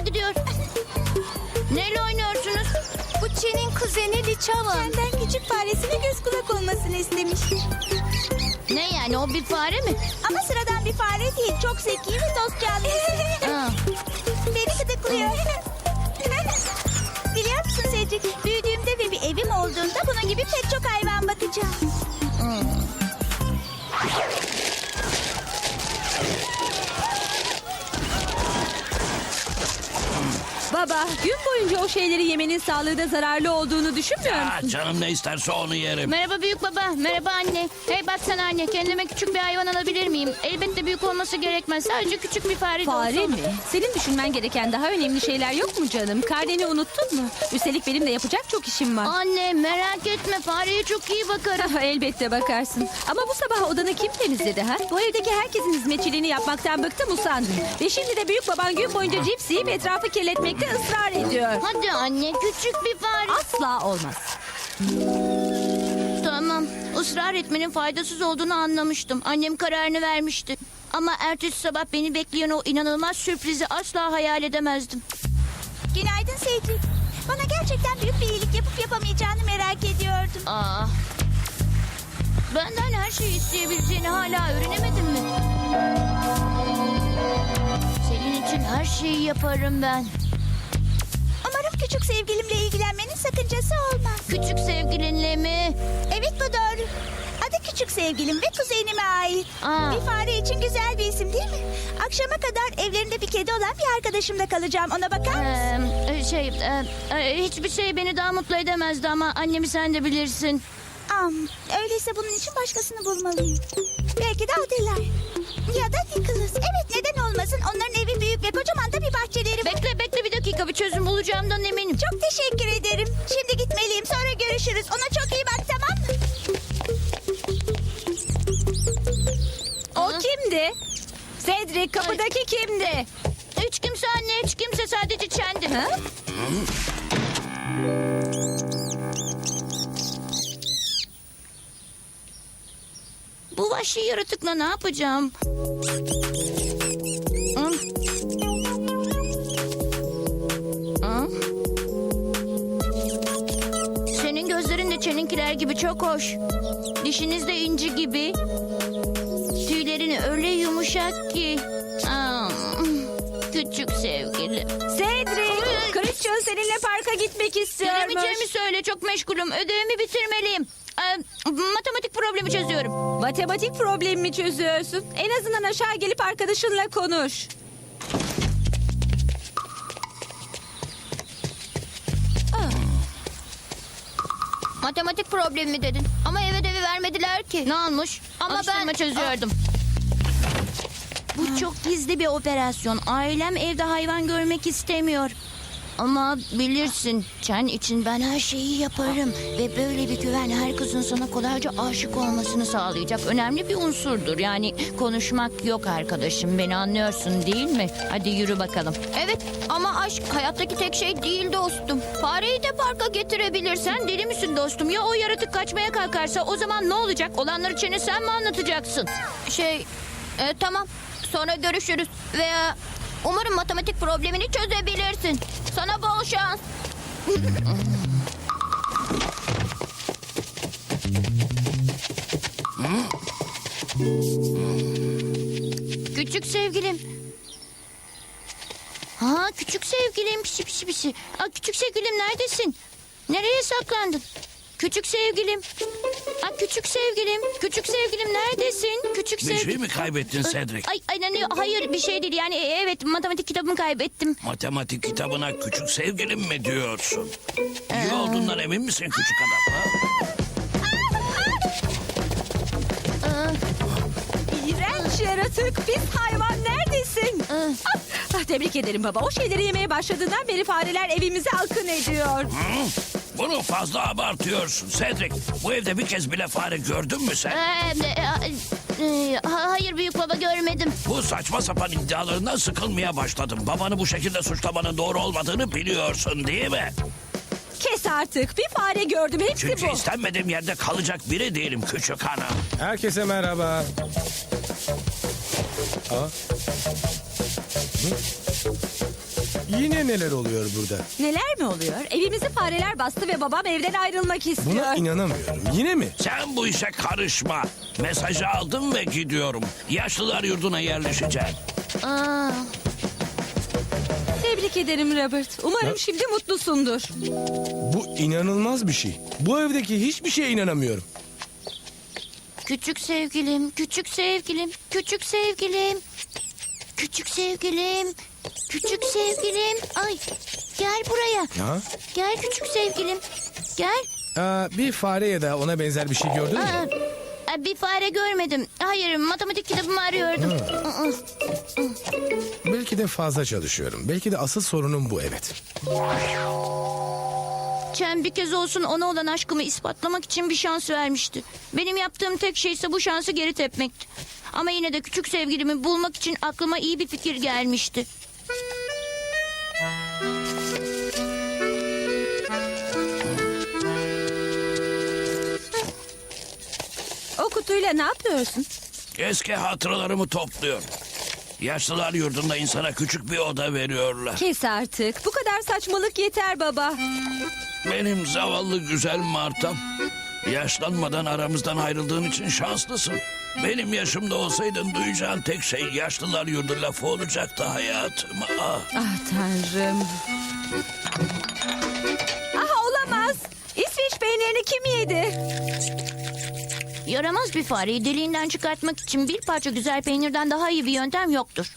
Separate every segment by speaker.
Speaker 1: gidiyor. Neyle oynuyorsunuz?
Speaker 2: Bu Çen'in kuzeni Liçava. Çen'den küçük faresine göz kulak olmasını istemiş.
Speaker 1: Ne yani, o bir fare mi?
Speaker 2: Ama sıradan bir fare değil. Çok zeki ve dost canlısı.
Speaker 1: Aa,
Speaker 2: Beni gıdıklıyor. Biliyor musun Cedric? Büyüdüğümde ve bir evim olduğunda bunun gibi pek çok hayvan bakacağım.
Speaker 3: Baba, gün boyunca o şeyleri yemenin sağlığına zararlı olduğunu düşünmüyor musun?
Speaker 4: Ha, canım ne isterse onu yerim.
Speaker 1: merhaba büyük baba, merhaba anne. Hey baksana anne, kendime küçük bir hayvan alabilir miyim? Elbette büyük olması gerekmez. Sadece küçük bir fare de olsa
Speaker 3: Fare
Speaker 1: olur.
Speaker 3: mi? Senin düşünmen gereken daha önemli şeyler yok mu canım? Karneni unuttun mu? Üstelik benim de yapacak çok işim var.
Speaker 1: Anne merak etme, fareye çok iyi bakarım.
Speaker 3: Elbette bakarsın. Ama bu sabah odanı kim temizledi ha? Bu evdeki herkesin hizmetçiliğini yapmaktan bıktım usandım. Ve şimdi de büyük baban gün boyunca cips yiyip etrafı kirletmekte ısrar ediyor.
Speaker 1: Hadi anne, küçük bir fare.
Speaker 3: Asla olmaz.
Speaker 1: Tamam, ısrar etmenin faydasız olduğunu anlamıştım. Annem kararını vermişti. Ama ertesi sabah beni bekleyen o inanılmaz sürprizi asla hayal edemezdim.
Speaker 2: Günaydın Cedric. Bana gerçekten büyük bir iyilik yapıp yapamayacağını merak ediyordum.
Speaker 1: Aa, benden her şeyi isteyebileceğini hala öğrenemedin mi? Senin için her şeyi yaparım ben.
Speaker 2: Umarım küçük sevgilimle ilgilenmenin sakıncası olmaz.
Speaker 1: Küçük sevgilinle mi?
Speaker 2: Evet, bu doğru. Adı küçük sevgilim ve kuzenime ait.
Speaker 1: Aa.
Speaker 2: Bir fare için güzel bir isim değil mi? Akşama kadar evlerinde bir kedi olan bir arkadaşımda kalacağım. Ona bakar mısın?
Speaker 1: Hiçbir şey beni daha mutlu edemezdi ama annemi sen de bilirsin.
Speaker 2: Öyleyse bunun için başkasını bulmalıyım. Belki de Adela. Ya da Nicholas. Evet, neden olmasın? Onların evi büyük ve kocaman da bir bahçeleri var.
Speaker 1: Bekle bir dakika, bir çözüm bulacağımdan eminim.
Speaker 2: Çok teşekkür ederim. Şimdi gitmeliyim. Sonra görüşürüz. Ona çok iyi bak, tamam mı?
Speaker 3: O kimdi? Cedric, kapıdaki kimdi?
Speaker 1: Hiç kimse anne, hiç kimse, sadece Çendi.
Speaker 3: Ha?
Speaker 1: Bu vahşi yaratıkla ne yapacağım? Hı? Hı? Senin gözlerin de Çeninkiler gibi çok hoş. Dişiniz de inci gibi. Tüylerin öyle yumuşak ki. Aa, küçük sevgilim.
Speaker 3: Cedric, Christian seninle parka gitmek istiyormuş.
Speaker 1: Gelemeyeceğimi söyle, çok meşgulüm. Ödevimi bitirmeliyim. Matematik problemi çözüyorum.
Speaker 3: Matematik problemimi çözüyorsun. En azından aşağı gelip arkadaşınla konuş.
Speaker 1: Matematik problemi mi dedin? Ama ev ödevi vermediler ki. Ne olmuş? Ama ben çözüyordum. Bu çok gizli bir operasyon. Ailem evde hayvan görmek istemiyor. Ama bilirsin, Çen için ben her şeyi yaparım. Ve böyle bir güven her kızın sana kolayca aşık olmasını sağlayacak önemli bir unsurdur. Yani konuşmak yok arkadaşım, beni anlıyorsun değil mi? Hadi yürü bakalım. Evet ama aşk hayattaki tek şey değil dostum. Fareyi de parka getirebilirsen deli misin dostum? Ya o yaratık kaçmaya kalkarsa o zaman ne olacak? Olanları Çen'e sen mi anlatacaksın? Tamam, sonra görüşürüz veya... Umarım matematik problemini çözebilirsin. Sana bol şans. Küçük sevgilim. Ha, küçük sevgilim, pişi pişi pişi. Aa, küçük sevgilim neredesin? Nereye saklandın? Küçük sevgilim. Aa, küçük sevgilim. Küçük sevgilim neredesin? Küçük
Speaker 4: Bir
Speaker 1: sevgilim.
Speaker 4: şey mi kaybettin Cedric?
Speaker 1: Hayır bir şey değil. Yani evet, matematik kitabımı kaybettim.
Speaker 4: Matematik kitabına küçük sevgilim mi diyorsun? İyi olduğundan emin misin küçük adam? Ha?
Speaker 3: İğrenç yaratık, pis hayvan neredesin? Tebrik ederim baba. O şeyleri yemeye başladığından beri fareler evimize akın ediyor.
Speaker 4: Hı? Bunu fazla abartıyorsun Cedric. Bu evde bir kez bile fare gördün mü sen?
Speaker 1: Hayır büyük baba, görmedim.
Speaker 4: Bu saçma sapan iddialarından sıkılmaya başladım. Babanı bu şekilde suçlamanın doğru olmadığını biliyorsun değil mi?
Speaker 3: Kes artık. Bir fare gördüm. Hepsi
Speaker 4: Çünkü
Speaker 3: bu.
Speaker 4: istenmediğim yerde kalacak biri değilim küçük hanım.
Speaker 5: Herkese merhaba. Aa. Hı? Yine neler oluyor burada?
Speaker 3: Neler mi oluyor? Evimizi fareler bastı ve babam evden ayrılmak istiyor.
Speaker 5: Buna inanamıyorum. Yine mi?
Speaker 4: Sen bu işe karışma. Mesajı aldım ve gidiyorum. Yaşlılar yurduna yerleşeceğim.
Speaker 1: Aa,
Speaker 3: Tebrik ederim Robert. Umarım şimdi mutlusundur.
Speaker 5: Bu inanılmaz bir şey. Bu evdeki hiçbir şeye inanamıyorum.
Speaker 1: küçük sevgilim, küçük sevgilim, küçük sevgilim. Küçük sevgilim, küçük sevgilim. Ay, gel buraya.
Speaker 5: Ha?
Speaker 1: Gel küçük sevgilim. Gel.
Speaker 5: Bir fare ya da ona benzer bir şey gördün mü?
Speaker 1: Bir fare görmedim. Hayır, matematik kitabımı arıyordum. Aa,
Speaker 5: Belki de fazla çalışıyorum. Belki de asıl sorunum bu, evet.
Speaker 1: Chen bir kez olsun ona olan aşkımı ispatlamak için bir şans vermişti. Benim yaptığım tek şey ise bu şansı geri tepmekti. Ama yine de küçük sevgilimi bulmak için aklıma iyi bir fikir gelmişti.
Speaker 3: O kutuyla ne yapıyorsun?
Speaker 4: Eski hatıralarımı topluyorum. Yaşlılar yurdunda insana küçük bir oda veriyorlar.
Speaker 3: Kes artık. Bu kadar saçmalık yeter baba.
Speaker 4: Benim zavallı güzel Martam. Yaşlanmadan aramızdan ayrıldığın için şanslısın. Benim yaşımda olsaydın duyacağın tek şey yaşlılar yurdu lafı olacaktı hayatım. Ah.
Speaker 3: Ah tanrım. Ah olamaz. İsveç peynirini kim yedi?
Speaker 1: Yaramaz bir fareyi deliğinden çıkartmak için bir parça güzel peynirden daha iyi bir yöntem yoktur.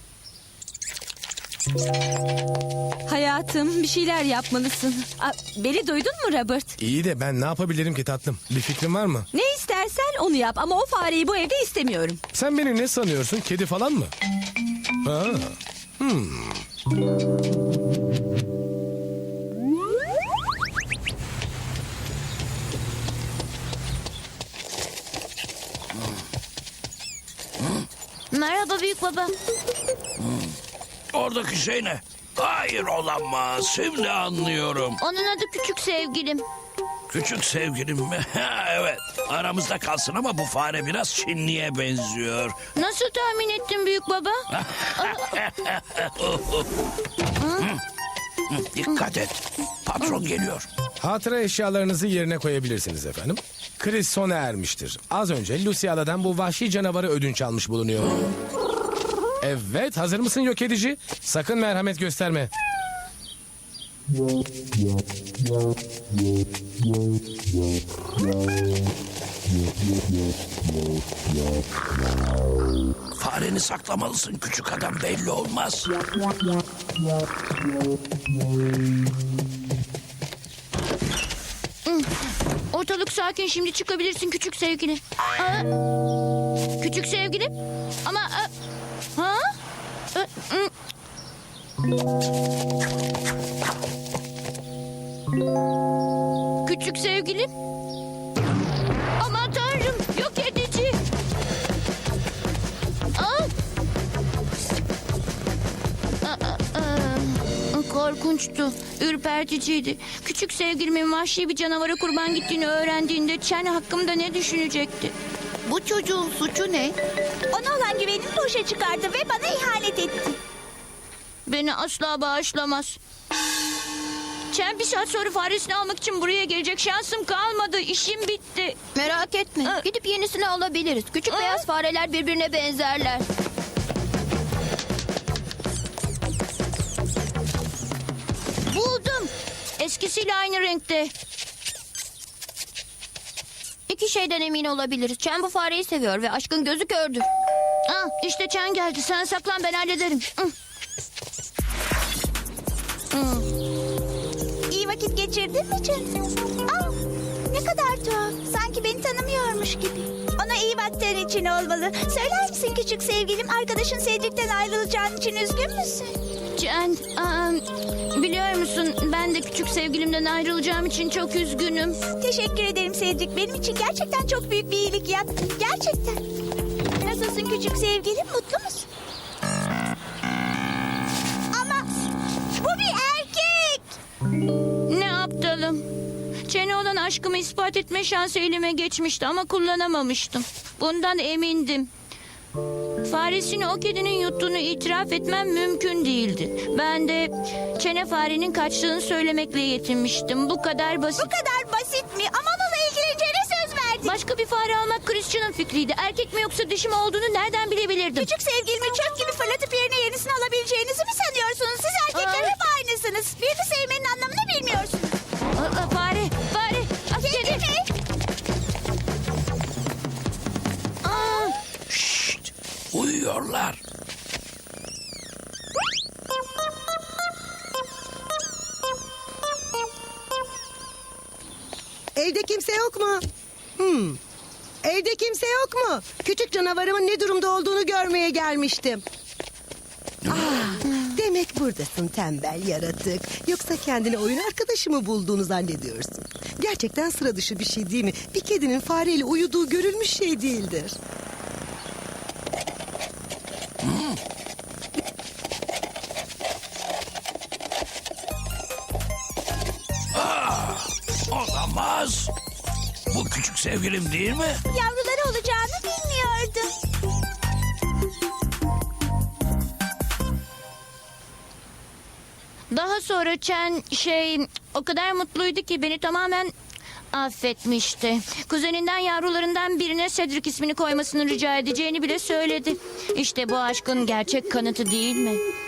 Speaker 3: Hayatım bir şeyler yapmalısın. Beni duydun mu Robert?
Speaker 5: İyi de ben ne yapabilirim ki tatlım? Bir fikrin var mı?
Speaker 3: Ne istersen onu yap ama o fareyi bu evde istemiyorum.
Speaker 5: Sen beni ne sanıyorsun? Kedi falan mı? Ha.
Speaker 1: Merhaba büyük baba.
Speaker 4: Oradaki şey ne? Hayır olamaz. Şimdi anlıyorum.
Speaker 1: Onun adı küçük sevgilim.
Speaker 4: Küçük sevgilim mi? Ha, evet. Aramızda kalsın ama bu fare biraz Çinli'ye benziyor.
Speaker 1: Nasıl tahmin ettin büyük baba?
Speaker 4: Dikkat et. Patron geliyor.
Speaker 5: Hatıra eşyalarınızı yerine koyabilirsiniz efendim. Kriz sona ermiştir. Az önce Luciala'dan bu vahşi canavarı ödünç almış bulunuyor. Evet, hazır mısın yok edici? Sakın merhamet gösterme.
Speaker 4: Fareni saklamalısın küçük adam, belli olmaz.
Speaker 1: Ortalık sakin, şimdi çıkabilirsin küçük sevgilim. Aa, küçük sevgilim? Ama... ha? Küçük sevgilim? Aman tanrım, yok edici. Korkunçtu, ürperticiydi. Küçük sevgilimin vahşi bir canavara kurban gittiğini öğrendiğinde Chen hakkımda ne düşünecekti?
Speaker 2: Bu çocuğun suçu ne? Ona olan güvenimi boşa çıkardı ve bana ihanet etti.
Speaker 1: Beni asla bağışlamaz. Chen bir saat sonra faresini almak için buraya gelecek. Şansım kalmadı, işim bitti.
Speaker 2: Merak etme. Gidip yenisini alabiliriz. Küçük beyaz fareler birbirine benzerler.
Speaker 1: Buldum. Eskisiyle aynı renkte.
Speaker 2: İki şeyden emin olabiliriz. Chen bu fareyi seviyor ve aşkın gözü kördür.
Speaker 1: İşte Chen geldi. Sen saklan, ben hallederim.
Speaker 2: İyi vakit geçirdin mi Chen? Ne kadar tuhaf. Sanki beni tanımıyormuş gibi. Ona iyi baktığın için olmalı. Söyler misin küçük sevgilim, arkadaşın Cedric'ten ayrılacağın için üzgün müsün?
Speaker 1: Chen, biliyor musun, ben de küçük sevgilimden ayrılacağım için çok üzgünüm.
Speaker 2: Teşekkür ederim Cedric. Benim için gerçekten çok büyük bir iyilik yaptın. Gerçekten. Nasılsın küçük sevgilim? Mutlu musun? Ama bu bir erkek.
Speaker 1: Ne aptalım. Chen'e olan aşkımı ispat etme şansı elime geçmişti ama kullanamamıştım. Bundan emindim. Faresini o kedinin yuttuğunu itiraf etmem mümkün değildi. Ben de çene farenin kaçtığını söylemekle yetinmiştim. Bu kadar basit.
Speaker 2: Bu kadar basit mi? Ama onunla ilgileneceğine söz verdin.
Speaker 1: Başka bir fare almak Christian'ın fikriydi. Erkek mi yoksa dişi mi olduğunu nereden bilebilirdim?
Speaker 2: Küçük sevgilimi çöp gibi fırlatıp yerine yenisini alabileceğinizi mi sanıyorsunuz? Siz erkekler
Speaker 1: Aa.
Speaker 2: hep aynısınız. Birini sevmenin anlamını bilmiyorsunuz.
Speaker 1: Fare.
Speaker 2: Kedi mi?
Speaker 4: Şşt, uyuyorlar.
Speaker 6: Evde kimse yok mu? Evde kimse yok mu? Küçük canavarımın ne durumda olduğunu görmeye gelmiştim. Demek buradasın tembel yaratık. Yoksa kendine oyun arkadaşı mı bulduğunu zannediyorsun? Gerçekten sıra dışı bir şey değil mi? Bir kedinin fareyle uyuduğu görülmüş şey değildir.
Speaker 4: Olamaz. Bu küçük sevgilim değil mi?
Speaker 2: Yavruları olacağını bilmiyordum.
Speaker 1: Daha sonra Chen o kadar mutluydu ki beni tamamen affetmişti. Kuzeninden yavrularından birine Cedric ismini koymasını rica edeceğini bile söyledi. İşte bu aşkın gerçek kanıtı değil mi?